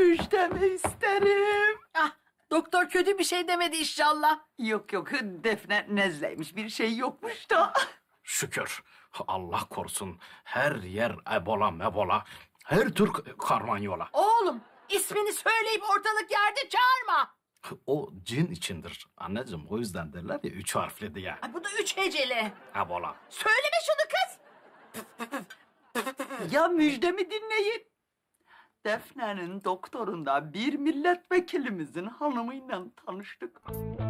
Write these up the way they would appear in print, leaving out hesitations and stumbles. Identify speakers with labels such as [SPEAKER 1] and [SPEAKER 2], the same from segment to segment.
[SPEAKER 1] müjdemi isterim.
[SPEAKER 2] Ah, doktor kötü bir şey demedi inşallah.
[SPEAKER 1] Yok yok, Defne nezleymiş, bir şey yokmuş da.
[SPEAKER 3] Şükür. Allah korusun. Her yer ebola mebola. Her tür karmanyola.
[SPEAKER 2] Oğlum, ismini söyleyip ortalık yerde çağırma.
[SPEAKER 3] O cin içindir anneciğim. O yüzden derler ya 3 harfli diye.
[SPEAKER 2] Ay, bu da 3 heceli.
[SPEAKER 3] Ebola.
[SPEAKER 2] Söyleme şunu kız.
[SPEAKER 1] Ya müjdemi dinleyin. Defne'nin doktorunda bir milletvekilimizin hanımıyla tanıştık.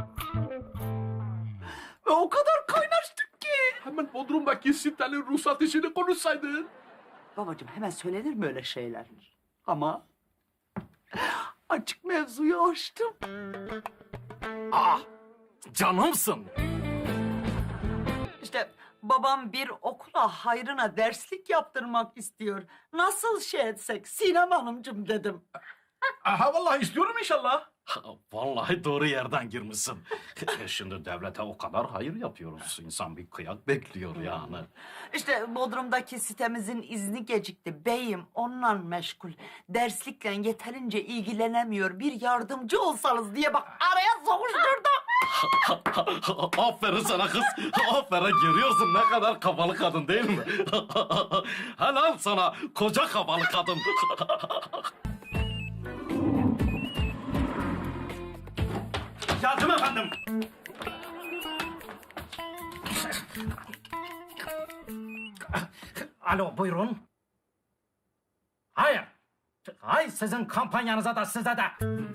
[SPEAKER 1] Ve o kadar kaynaştık ki.
[SPEAKER 4] Hemen Bodrum'daki sitenin ruhsat işini konuşsaydın.
[SPEAKER 1] Babacığım, hemen söylenir mi öyle şeyler? Ama açık mevzuyu açtım.
[SPEAKER 3] Aa, canımsın.
[SPEAKER 1] İşte babam bir okula hayrına derslik yaptırmak istiyor. Nasıl şey etsek Sinem Hanımcığım dedim.
[SPEAKER 4] Aha vallahi istiyorum inşallah.
[SPEAKER 3] Vallahi doğru yerden girmişsin. Şimdi devlete o kadar hayır yapıyoruz. İnsan bir kıyak bekliyor yani.
[SPEAKER 1] İşte Bodrum'daki sitemizin izni gecikti. Beyim onunla meşgul. Derslikle yeterince ilgilenemiyor. Bir yardımcı olsanız diye bak araya sokuşturdum.
[SPEAKER 3] Aferin sana kız. Aferin, görüyorsun ne kadar kafalı kadın değil mi? Helal sana koca kafalı kadın. Yardım efendim. Alo, buyurun. Hayır. Hayır, sizin kampanyanıza da size de.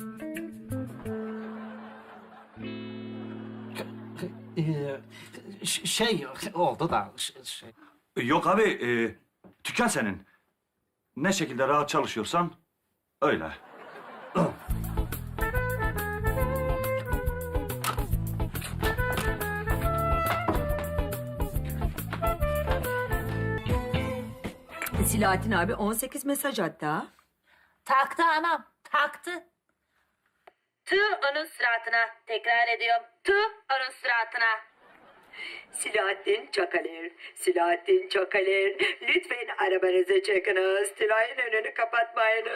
[SPEAKER 3] Şey oldu da şey.
[SPEAKER 5] Yok abi, dükkan senin. Ne şekilde rahat çalışıyorsan öyle.
[SPEAKER 6] Silahattin abi 18 mesaj hatta.
[SPEAKER 7] Taktı anam, taktı. Tüh onun suratına. Tekrar ediyorum. Tüh onun suratına.
[SPEAKER 6] Silahattin Çakalir, Silahattin Çakalir. Lütfen arabanızı çekiniz. Tülay'ın önünü kapatmayınız.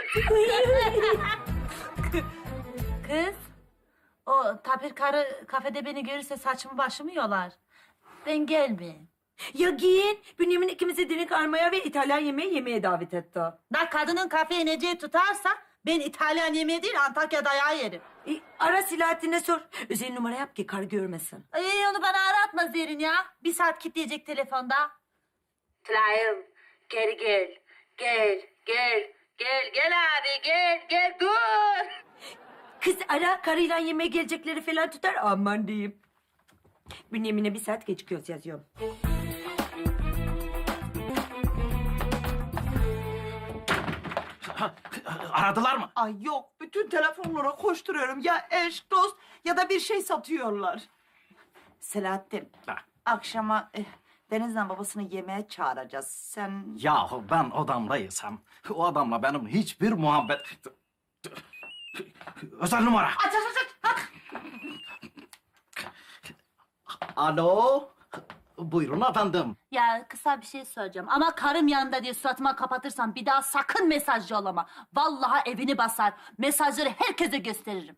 [SPEAKER 7] Kız, o tapir karı kafede beni görürse saçımı başımı yolar. Ben gelmeyeyim.
[SPEAKER 6] Ya giyin. Bünyamin ikimizi dinik armaya ve İtalyan yemeği yemeye davet etti.
[SPEAKER 7] Da kadının kafeye ineceği tutarsa ben İtalyan yemeği değil Antakya dayağı yerim.
[SPEAKER 6] Ara Silahattin'e sor. Özel numara yap ki karı görmesin.
[SPEAKER 7] Onu bana aratma Zerrin ya. Bir saat kilitleyecek telefonda. Tülay'ım geri gel. Gel, gel, gel, gel abi gel, dur.
[SPEAKER 6] Kız ara, karıyla yemeğe gelecekleri falan tutar. Aman diyeyim. Bünyamin'e bir saat gecikiyoruz yazıyorum.
[SPEAKER 3] Aradılar mı?
[SPEAKER 1] Ay yok, bütün telefonlara koşturuyorum. Ya eş, dost ya da bir şey satıyorlar. Selahattin,
[SPEAKER 3] Ha.
[SPEAKER 1] akşama Deniz'le babasını yemeğe çağıracağız. Sen...
[SPEAKER 3] Yahu ben odamda yesem, o adamla benim hiçbir muhabbet... Özel numara.
[SPEAKER 1] Aç.
[SPEAKER 3] Alo, buyurun efendim.
[SPEAKER 7] Ya kısa bir şey söyleyeceğim ama karım yanında diye suratıma kapatırsan bir daha sakın mesaj yollama. Vallahi evini basar. Mesajları herkese gösteririm.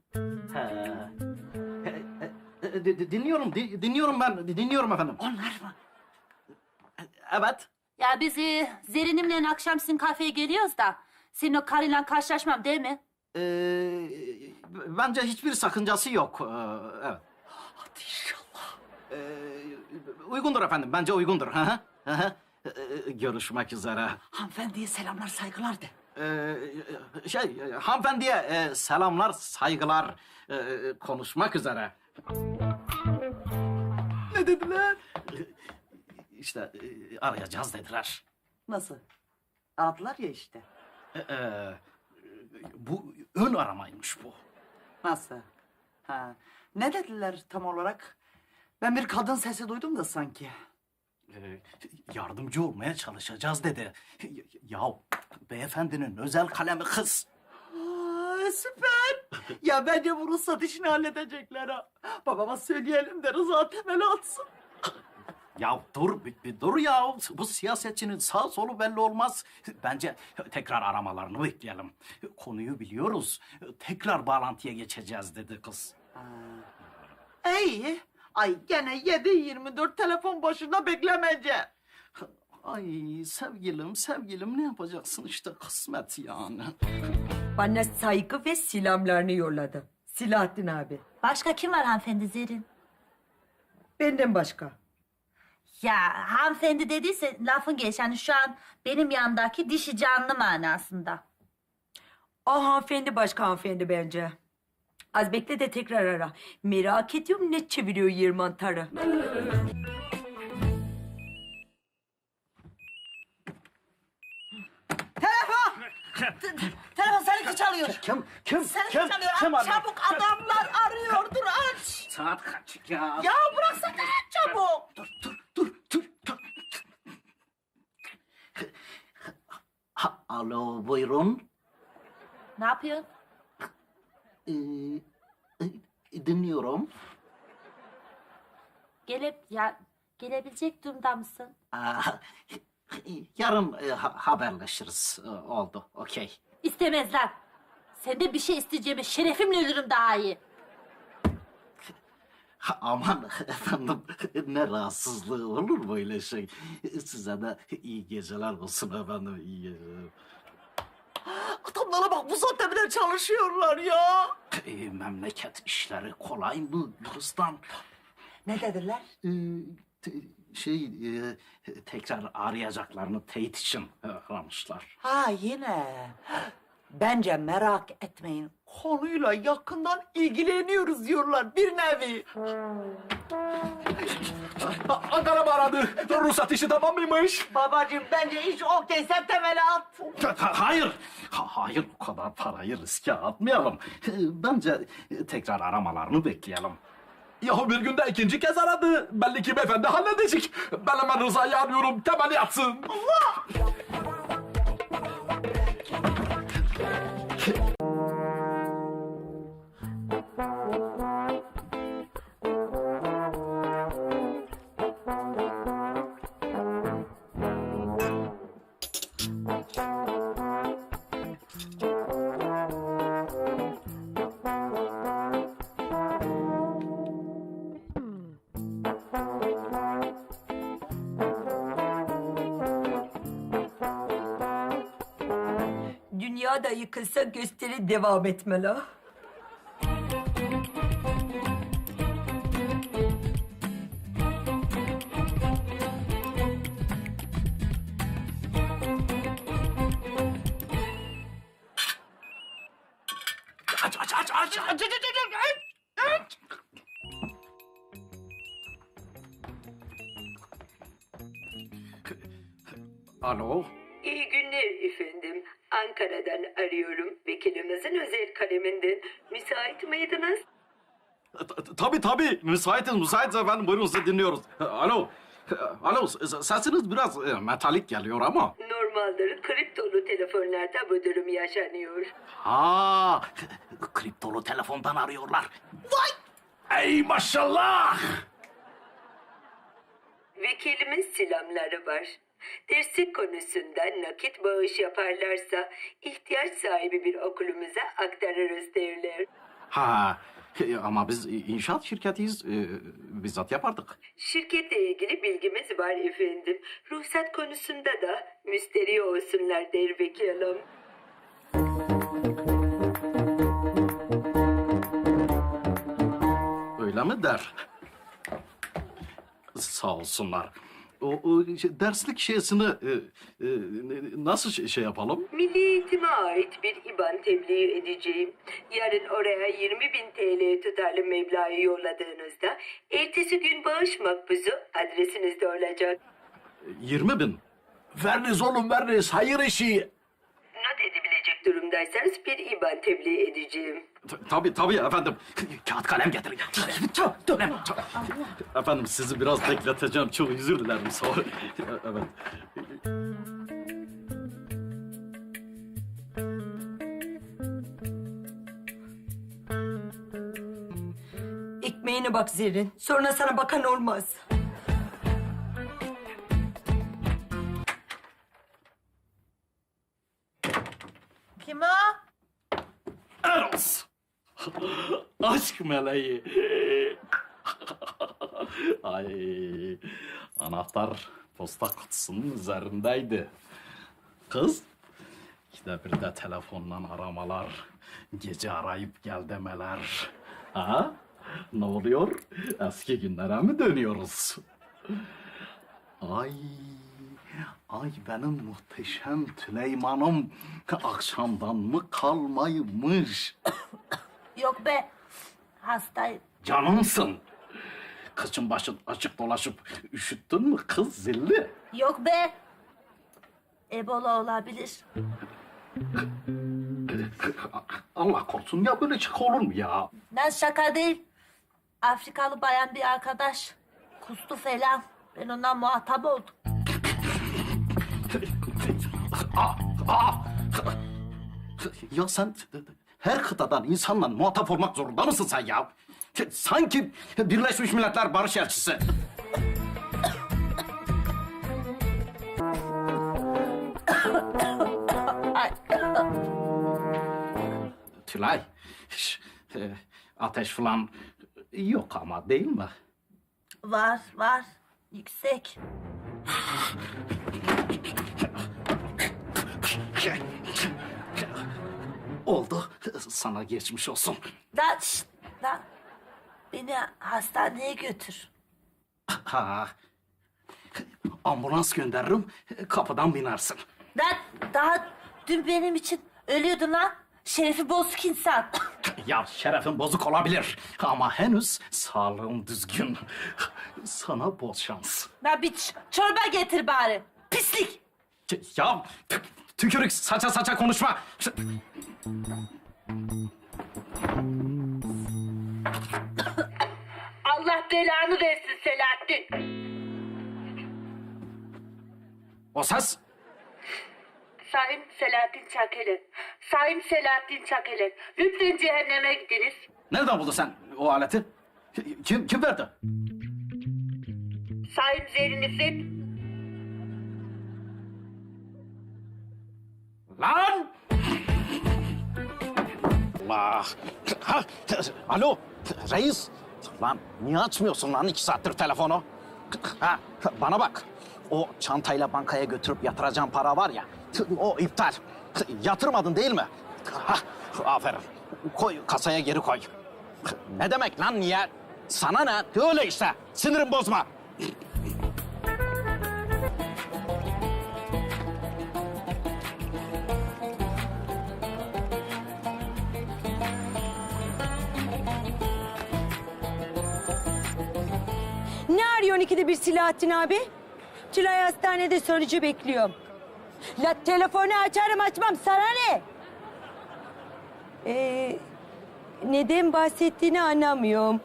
[SPEAKER 3] Dinliyorum ben, dinliyorum efendim.
[SPEAKER 1] Onlar mı?
[SPEAKER 3] Evet.
[SPEAKER 7] Ya biz Zerin'imle akşam sizin kafeye geliyoruz da senin o karıyla karşılaşmam değil mi?
[SPEAKER 3] Bence hiçbir sakıncası yok. Evet.
[SPEAKER 1] Hadi inşallah.
[SPEAKER 3] Uygundur efendim, bence uygundur. Hı hı, hı hı. Görüşmek üzere.
[SPEAKER 1] Hanımefendiye selamlar, saygılar de.
[SPEAKER 3] Hanımefendiye selamlar, saygılar. Konuşmak üzere.
[SPEAKER 1] Ne dediler?
[SPEAKER 3] İşte arayacağız dediler.
[SPEAKER 1] Nasıl? Aradılar ya işte.
[SPEAKER 3] Bu ön aramaymış bu.
[SPEAKER 1] Nasıl? Ha. Ne dediler tam olarak? Ben bir kadın sesi duydum da sanki.
[SPEAKER 3] Yardımcı olmaya çalışacağız dedi. Ya beyefendinin özel kalemi kız.
[SPEAKER 1] Aa, süper. Ya bence bu ruhsat işini halledecekler ha. Babama söyleyelim de Rıza temeli atsın.
[SPEAKER 3] Ya dur, bir dur ya. Bu siyasetçinin sağ solu belli olmaz. Bence tekrar aramalarını bekleyelim. Konuyu biliyoruz. Tekrar bağlantıya geçeceğiz dedi kız.
[SPEAKER 1] İyi. Ay gene 7-24 telefon başında beklemeyeceğim.
[SPEAKER 3] Ay sevgilim ne yapacaksın işte kısmet yani.
[SPEAKER 6] Bana saygı ve selamlarını yolladı. Silahattin abi.
[SPEAKER 7] Başka kim var hanımefendi Zerrin?
[SPEAKER 6] Benden başka.
[SPEAKER 7] Ya hanımefendi dediyse lafın geç. Yani şu an benim yanımdaki dişi canlı manasında.
[SPEAKER 6] O hanımefendi başka hanımefendi bence. Az bekle de tekrar ara. Merak ediyorum ne çeviriyor yer mantarı.
[SPEAKER 1] Telefon seninki çalıyor.
[SPEAKER 3] Kim?
[SPEAKER 1] Seninki çalıyor. Aç çabuk, adamlar arıyor. Dur aç.
[SPEAKER 3] Saat kaç ya?
[SPEAKER 1] Ya bıraksana aç çabuk.
[SPEAKER 3] Dur. Alo buyurun.
[SPEAKER 7] Ne yapıyorsun?
[SPEAKER 3] Dinliyorum.
[SPEAKER 7] Gelebilecek durumda mısın?
[SPEAKER 3] Yarın haberleşiriz. Oldu, okey.
[SPEAKER 7] İstemezler. Senden bir şey isteyeceğime şerefimle ölürüm daha iyi.
[SPEAKER 3] Aman efendim, ne rahatsızlığı olur böyle şey. Size de iyi geceler olsun efendim, iyi geceler.
[SPEAKER 1] Adamlara bak, bu saatte bile çalışıyorlar ya.
[SPEAKER 3] Memleket işleri kolay mı Gülistan?
[SPEAKER 1] Ne dediler?
[SPEAKER 3] Tekrar arayacaklarını teyit için aramışlar.
[SPEAKER 1] Ha yine. Bence merak etmeyin. Konuyla yakından ilgileniyoruz diyorlar bir nevi.
[SPEAKER 4] Ankara mı aradı? Ruhsat işi tamam mıymış?
[SPEAKER 1] Babacığım bence iş okey, sen temeli at.
[SPEAKER 3] Hayır, bu kadar parayı riske atmayalım. Bence tekrar aramalarını bekleyelim.
[SPEAKER 4] Yahu bir günde ikinci kez aradı. Belli ki beyefendi halledecek. Ben hemen Rıza'yı arıyorum. Temeli yatsın.
[SPEAKER 6] Dünya da yıkılsa gösteri devam etmeli.
[SPEAKER 4] Aç.
[SPEAKER 3] Alo?
[SPEAKER 8] İyi günler efendim. Ankara'dan arıyorum. Vekilimizin özel kaleminden. Müsait miydiniz?
[SPEAKER 3] Tabii. Müsaitiz efendim. Buyurun, sizi dinliyoruz. Alo, sesiniz biraz metalik geliyor ama.
[SPEAKER 8] Normaldir kriptolu telefonlarda bu durum yaşanıyor.
[SPEAKER 3] Ha, kriptolu telefondan arıyorlar.
[SPEAKER 4] Ey maşallah.
[SPEAKER 8] Vekilimin selamları var. Derslik konusunda nakit bağış yaparlarsa ihtiyaç sahibi bir okulumuza aktarırız derler.
[SPEAKER 3] Ha, ama biz inşaat şirketiyiz. Bizzat yapardık.
[SPEAKER 8] Şirketle ilgili bilgimiz var efendim. Ruhsat konusunda da müsterih olsunlar der vekilim.
[SPEAKER 3] Öyle mi der? Sağ olsunlar. O derslik şeysini nasıl şey yapalım?
[SPEAKER 8] Milli Eğitim'e ait bir IBAN tebliğ edeceğim. Yarın oraya 20.000 TL tutarlı meblağı yolladığınızda ertesi gün bağış makbuzu adresinizde olacak.
[SPEAKER 3] 20.000.
[SPEAKER 4] Veriniz oğlum veriniz. Hayır işi.
[SPEAKER 8] Not edebilecek durumdaysanız bir IBAN tebliğ edeceğim.
[SPEAKER 3] Tabii efendim. Kağıt kalem getirin. Efendim, sizi biraz bekleteceğim. Çok özür dilerim. Sağ olun. Evet.
[SPEAKER 6] Ekmeğine bak Zerrin. Sonra sana bakan olmaz.
[SPEAKER 7] mu?
[SPEAKER 3] Eros. Aşk meleği. Ay, anahtar posta kutusunun üzerindeydi. Kız, işte bir de telefondan aramalar, gece arayıp gel demeler. Ha? Ne oluyor? Eski günlere mi dönüyoruz? Ay, ay benim muhteşem Tüleyman'ım akşamdan mı kalmaymış?
[SPEAKER 7] Yok be. Hastayım.
[SPEAKER 3] Canımsın. Kıçın başın açık dolaşıp üşüttün mü kız zilli?
[SPEAKER 7] Yok be. Ebola olabilir.
[SPEAKER 3] Allah korusun ya böyle şaka olur mu ya?
[SPEAKER 7] Ben şaka değil. Afrikalı bayan bir arkadaş. Kustu falan. Ben ondan muhatap oldum.
[SPEAKER 3] Ya sen her kıtadan insanla muhatap olmak zorunda mısın sen ya? Sanki Birleşmiş Milletler Barış Elçisi. Tülay, ateş falan yok ama değil mi?
[SPEAKER 7] Var, var. Yüksek.
[SPEAKER 3] Oldu. Sana geçmiş olsun.
[SPEAKER 7] Lan, şşt, lan. Beni hastaneye götür.
[SPEAKER 3] Ha. Ambulans gönderirim, kapıdan binersin.
[SPEAKER 7] Lan, daha dün benim için ölüyordun lan. Şerefi bozuk insan.
[SPEAKER 3] Ya şerefin bozuk olabilir ama henüz sağlığın düzgün. Sana bol şans.
[SPEAKER 7] Lan bir çorba getir bari. Pislik.
[SPEAKER 3] Ya tükürük saça saça konuşma.
[SPEAKER 7] Allah belanı versin Selahattin.
[SPEAKER 3] O ses?
[SPEAKER 7] Sayın Selahattin Çakeler. Sayın Selahattin Çakeler. Lütfen cehenneme gidiniz.
[SPEAKER 3] Nereden buldun sen o aleti? Kim verdi?
[SPEAKER 7] Sayın Zerrin İffet.
[SPEAKER 3] Lan! Allah! Ha, alo, reis. Lan niye açmıyorsun lan 2 saattir telefonu? Ha, bana bak. O çantayla bankaya götürüp yatıracağım para var ya, o iptal. Yatırmadın değil mi? Ha, aferin. Koy, kasaya geri koy. Ne demek lan niye? Sana ne? Öyle işte. Sinirim bozma.
[SPEAKER 6] Ne arıyorsun ikide bir Silahattin abi? Tülay hastanede sonucu bekliyorum. La telefonu açarım açmam sana ne? Neden bahsettiğini anlamıyorum.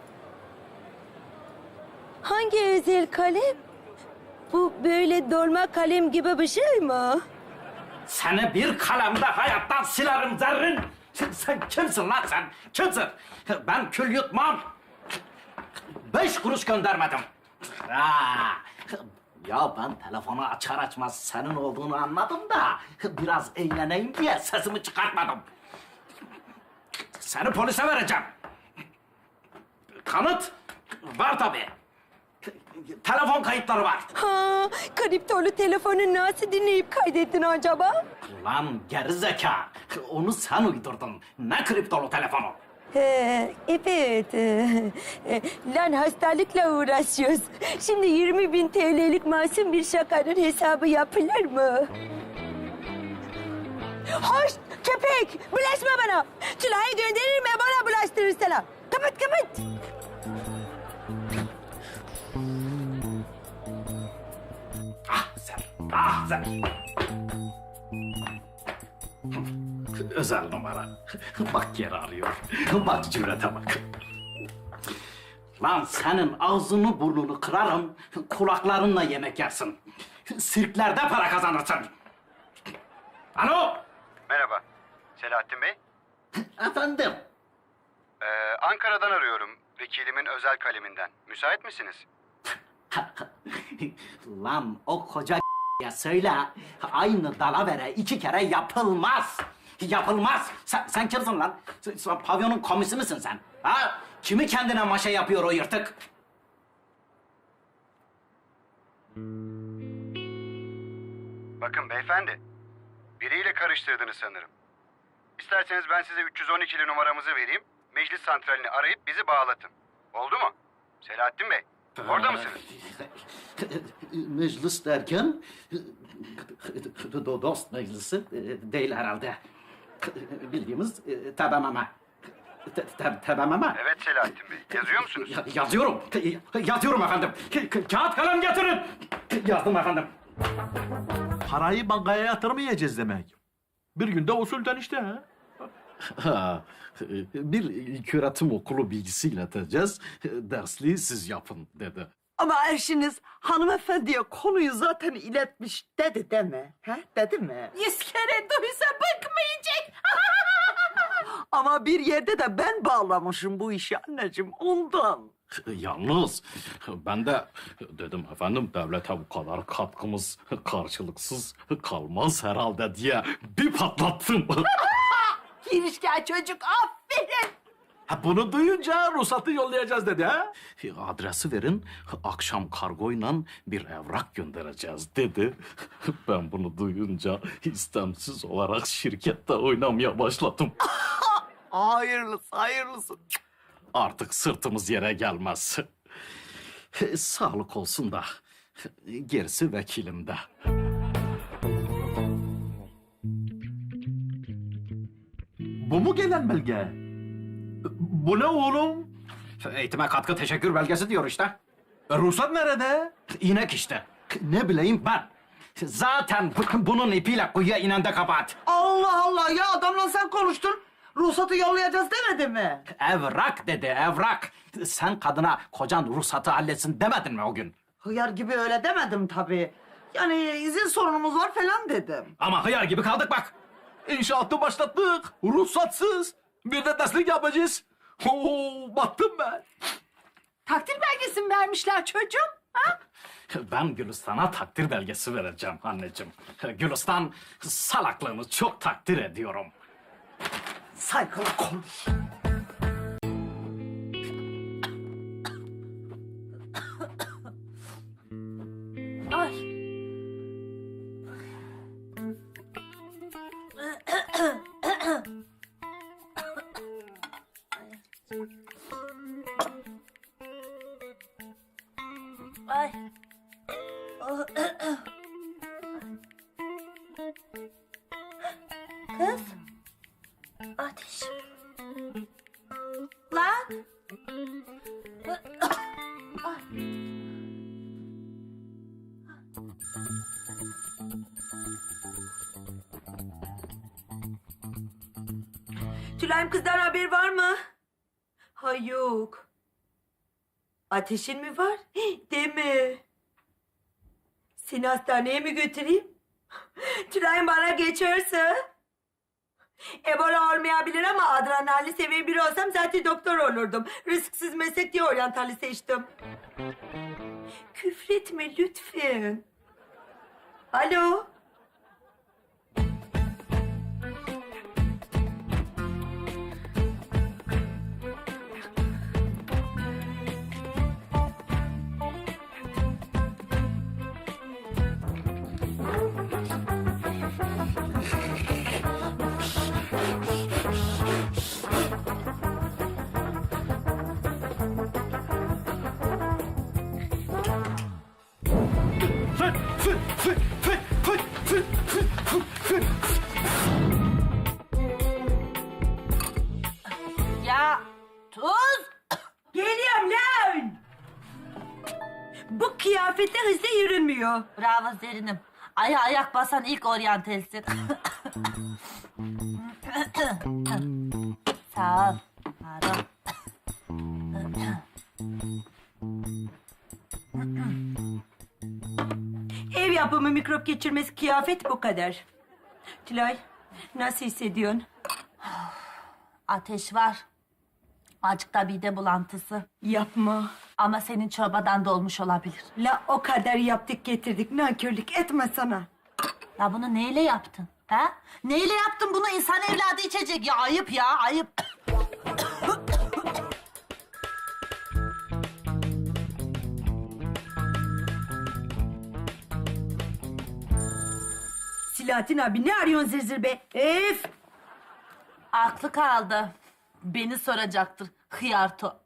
[SPEAKER 6] Hangi özel kalem? Bu böyle dolma kalem gibi bir şey mi?
[SPEAKER 3] Seni bir kalemde hayattan silerim Zerrin. Sen kimsin lan sen? Kimsin? Ben kül yutmam. 5 kuruş göndermedim. Ha. Ya ben telefonu açar açmaz senin olduğunu anladım da biraz eğleneyim diye sesimi çıkartmadım. Seni polise vereceğim. Kanıt var tabii. Telefon kayıtları var.
[SPEAKER 6] Ha, kriptolu telefonu nasıl dinleyip kaydettin acaba?
[SPEAKER 3] Lan gerizeka. Onu sen uydurdun. Ne kriptolu telefonu?
[SPEAKER 6] Evet. Lan hastalıkla uğraşıyoruz. Şimdi 20.000 TL'lik masum bir şakanın hesabı yapılır mı? Hoş köpek! Bulaşma bana! Tülay'ı gönderirim bana bulaştırır sana. Kapat kapat!
[SPEAKER 3] Ah sen. Özel numara. Bak yeri arıyor. Bak cürete bak. Lan senin ağzını burnunu kırarım, kulaklarınla yemek yersin. Sirklerde para kazanırsın. Alo?
[SPEAKER 9] Merhaba. Selahattin Bey.
[SPEAKER 3] Efendim?
[SPEAKER 9] Ankara'dan arıyorum. Vekilimin özel kaleminden. Müsait misiniz?
[SPEAKER 3] Lan o koca ya söyle, aynı dalavere 2 kere yapılmaz. Yapılmaz. Sen kimsin lan? Sen pavyonun komisi misin sen? Ha? Kimi kendine maşa yapıyor o yırtık?
[SPEAKER 9] Bakın beyefendi, biriyle karıştırdınız sanırım. İsterseniz ben size 312'li numaramızı vereyim. Meclis santralini arayıp bizi bağlatın. Oldu mu? Selahattin Bey, orada mısınız?
[SPEAKER 3] Meclis derken dost meclisi değil herhalde. Bildiğimiz tebememe. Tebememe.
[SPEAKER 9] Evet Selahattin Bey, yazıyor musunuz?
[SPEAKER 3] Yazıyorum. Yazıyorum efendim. Kağıt kalem getirin. Yazdım efendim.
[SPEAKER 4] Parayı bankaya yatırmayacağız demek. Bir günde usulden işte ha.
[SPEAKER 10] Bir ilköğretim okulu bilgisi ileteceğiz. Dersliği siz yapın dedi.
[SPEAKER 1] Ama eşiniz hanımefendiye konuyu zaten iletmiş dedi deme. He? Dedi mi?
[SPEAKER 2] 100 kere duysa bıkmayacak.
[SPEAKER 1] Ama bir yerde de ben bağlamışım bu işi anneciğim ondan.
[SPEAKER 10] Yalnız ben de dedim efendim devlete bu kadar katkımız karşılıksız kalmaz herhalde diye bir patlattım.
[SPEAKER 2] Girişken çocuk aferin.
[SPEAKER 4] Ha, bunu duyunca ruhsatı yollayacağız dedi ha.
[SPEAKER 10] Adresi verin, akşam kargoyla bir evrak göndereceğiz dedi. Ben bunu duyunca istemsiz olarak şirkette oynamaya başladım.
[SPEAKER 1] Hayırlısı hayırlısı.
[SPEAKER 10] Artık sırtımız yere gelmez. Sağlık olsun da gerisi vekilimde.
[SPEAKER 4] Bu mu gelen belge? Bu ne oğlum?
[SPEAKER 3] Eğitime katkı teşekkür belgesi diyor işte.
[SPEAKER 4] Ruhsat nerede?
[SPEAKER 3] İnek işte. Ne bileyim ben. Zaten bunun ipiyle kuyuya inen de kabahat.
[SPEAKER 1] Allah Allah ya adamla sen konuştun. Ruhsatı yollayacağız demedi mi?
[SPEAKER 3] Evrak dedi, evrak. Sen kadına kocan ruhsatı halletsin demedin mi o gün?
[SPEAKER 1] Hıyar gibi öyle demedim tabii. Yani izin sorunumuz var falan dedim.
[SPEAKER 3] Ama hıyar gibi kaldık bak.
[SPEAKER 4] İnşaatı başlattık. Ruhsatsız. Bir de derslik yapacağız. Oo, battım ben.
[SPEAKER 2] Takdir belgesi mi vermişler çocuğum? Ha?
[SPEAKER 10] Ben Gülistan'a takdir belgesi vereceğim anneciğim. Gülistan salaklığını çok takdir ediyorum.
[SPEAKER 1] Saygılı konuş.
[SPEAKER 7] Ay. Ay. Kız. Ateş. Lan.
[SPEAKER 6] Tülay'ım kızdan haber var mı? Ha yok. Ateşin mi var? Hih, deme. Seni hastaneye mi götüreyim? Tülay'ım bana geçerse. Ebola olmayabilir ama adrenalin seviye biri olsam zaten doktor olurdum. Risksiz meslek diye oryantali seçtim. Küfretme lütfen. Alo.
[SPEAKER 7] Ya tuz.
[SPEAKER 6] Geliyorum lan. Bu kıyafetle hızlı yürünmüyor.
[SPEAKER 7] Bravo Zerin'im. Aya ayak basan ilk oryantelsin. Sağ ol. Pardon.
[SPEAKER 6] Ev yapımı mikrop geçirmez kıyafet bu kadar. Tülay, nasıl hissediyorsun?
[SPEAKER 7] Ateş var. Azıcık da mide bulantısı.
[SPEAKER 6] Yapma.
[SPEAKER 7] Ama senin çorbadan da olmuş olabilir.
[SPEAKER 6] La o kadar yaptık getirdik. Nankörlük etme sana.
[SPEAKER 7] Ya bunu neyle yaptın? Ha? Neyle yaptın bunu? İnsan evladı içecek ya. Ayıp ya, ayıp.
[SPEAKER 6] Silahattin abi ne arıyorsun zır zır be? Ef!
[SPEAKER 7] Aklı kaldı. Beni soracaktır. Hıyarto.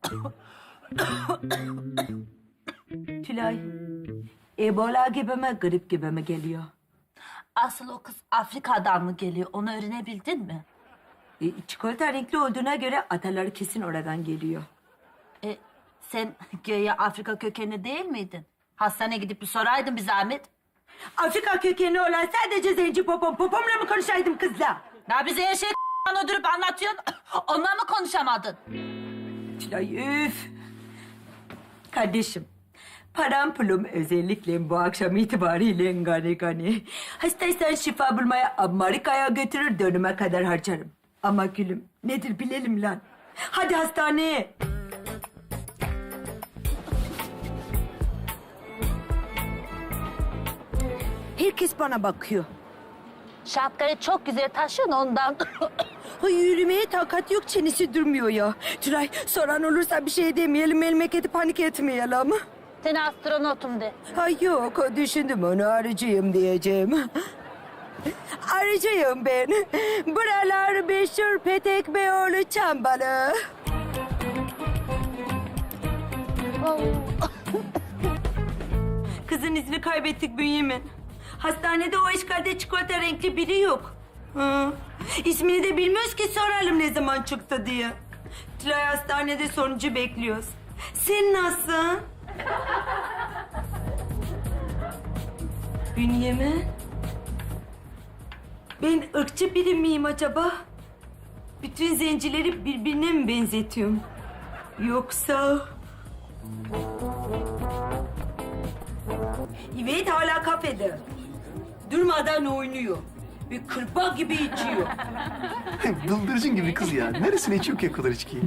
[SPEAKER 6] Tülay, Ebola gibi mi, grip gibi mi geliyor?
[SPEAKER 7] Asıl o kız Afrika'dan mı geliyor? Onu öğrenebildin mi?
[SPEAKER 6] Çikolata renkli olduğuna göre ataları kesin oradan geliyor.
[SPEAKER 7] Sen göğe Afrika kökenli değil miydin? Hastaneye gidip bir soraydın bir zahmet.
[SPEAKER 6] Afrika kökenli olan sadece zenci popomla mı konuşaydım kızla?
[SPEAKER 7] Ya bize her şeyi öldürüp anlatıyorsun. Onunla mı konuşamadın?
[SPEAKER 6] Tülay üf! Kardeşim, param pulum özellikle bu akşam itibariyle gani. Hastaysan şifa bulmaya Amerika'ya götürür dönüme kadar harcarım. Ama gülüm nedir bilelim lan. Hadi hastaneye. Herkes bana bakıyor.
[SPEAKER 7] Şapkayı çok güzel taşıyorsun ondan.
[SPEAKER 6] Ay, yürümeye takat yok, çenesi durmuyor ya. Tülay, soran olursa bir şey demeyelim, memleketi panik etmeyelim.
[SPEAKER 7] Sen astronotum de.
[SPEAKER 6] Ay yok, düşündüm onu arıcıyım diyeceğim. Arıcıyım ben. Buralar meşhur Petek Beyoğlu Çambalı. Kızın izini kaybettik Bünyamin. Hastanede o işgalde çikolata renkli biri yok. Hı. İsmini de bilmiyoruz ki soralım ne zaman çıktı diye. Tülay hastanede sonucu bekliyoruz. Sen nasılsın? Bünyamin? Ben ırkçı biri miyim acaba? Bütün zencileri birbirine mi benzetiyorum? Yoksa... Evet hala kafede. Durmadan oynuyor. Bir kırpa gibi içiyor.
[SPEAKER 11] Bıldırcın gibi kız ya. Neresine içiyor ki o kadar içkiyi?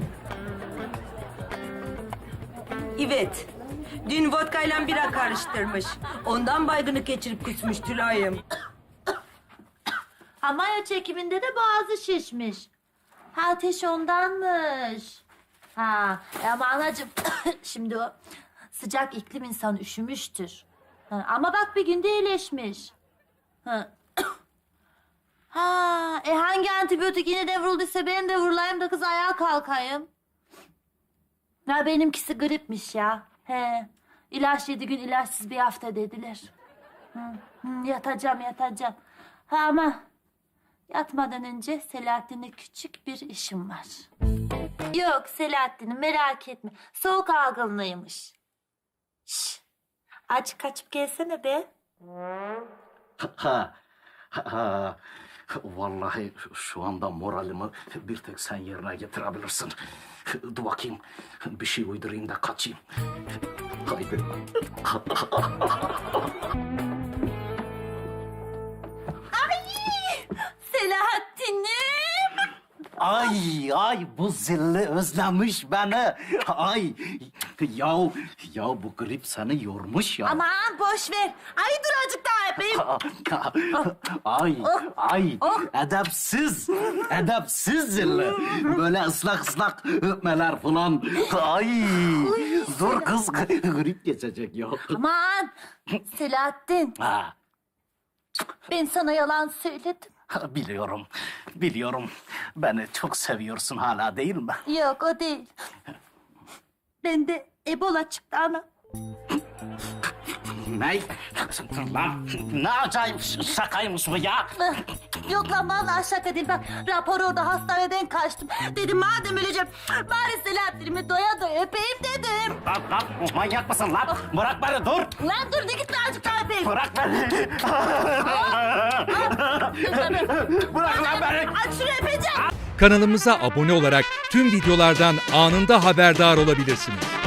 [SPEAKER 6] Evet. Dün vodkayla bira karıştırmış. Ondan baygınlık geçirip kusmuş Tülay'ım.
[SPEAKER 7] Hamaya çekiminde de boğazı şişmiş. Ha, ateş ondanmış. Ha, ama anacığım şimdi o sıcak iklim insan üşümüştür. Ha, ama bak bir günde iyileşmiş. Ha. Hangi antibiyotik yine de vurulduysa ben de vurulayım da kız ayağa kalkayım. Ya benimkisi gripmiş ya. He. İlaç 7 gün ilaçsız bir hafta dediler. Yatacağım. Ha ama yatmadan önce Selahattin'le küçük bir işim var. Yok Selahattin'im merak etme. Soğuk algınlığıymış. Şş. Aç kaçıp gelsene be.
[SPEAKER 10] Vallahi şu anda moralimi bir tek sen yerine getirebilirsin. Dur bakayım, bir şey uydurayım da kaçayım. Haydi.
[SPEAKER 7] Selahattin'im.
[SPEAKER 3] Ay bu zilli özlemiş beni. Ay ya bu grip seni yormuş ya.
[SPEAKER 7] Aman boş ver. Ay dur azıcık daha öpeyim.
[SPEAKER 3] Ay edepsiz zilli. Böyle ıslak öpmeler falan. Ay dur kız grip geçecek ya.
[SPEAKER 7] Aman Selahattin.
[SPEAKER 3] Ha,
[SPEAKER 7] Ben sana yalan söyledim.
[SPEAKER 3] biliyorum. Beni çok seviyorsun hala değil mi?
[SPEAKER 7] Yok o değil. Bende Ebola çıktı ana.
[SPEAKER 3] Ne? Lan ne acayip şakaymış bu ya.
[SPEAKER 7] Yok lan vallahi şaka değil. Bak rapor orada hastaneden kaçtım. Dedim madem öleceğim bari Selahattin'imi doya doya öpeyim dedim.
[SPEAKER 3] Lan manyak mısın lan? Bırak beni dur.
[SPEAKER 7] Lan dur de git azıcık daha öpeyim.
[SPEAKER 3] Bırak beni. Bırak lan beni.
[SPEAKER 7] Aç şunu öpeceğim.
[SPEAKER 12] Kanalımıza abone olarak tüm videolardan anında haberdar olabilirsiniz.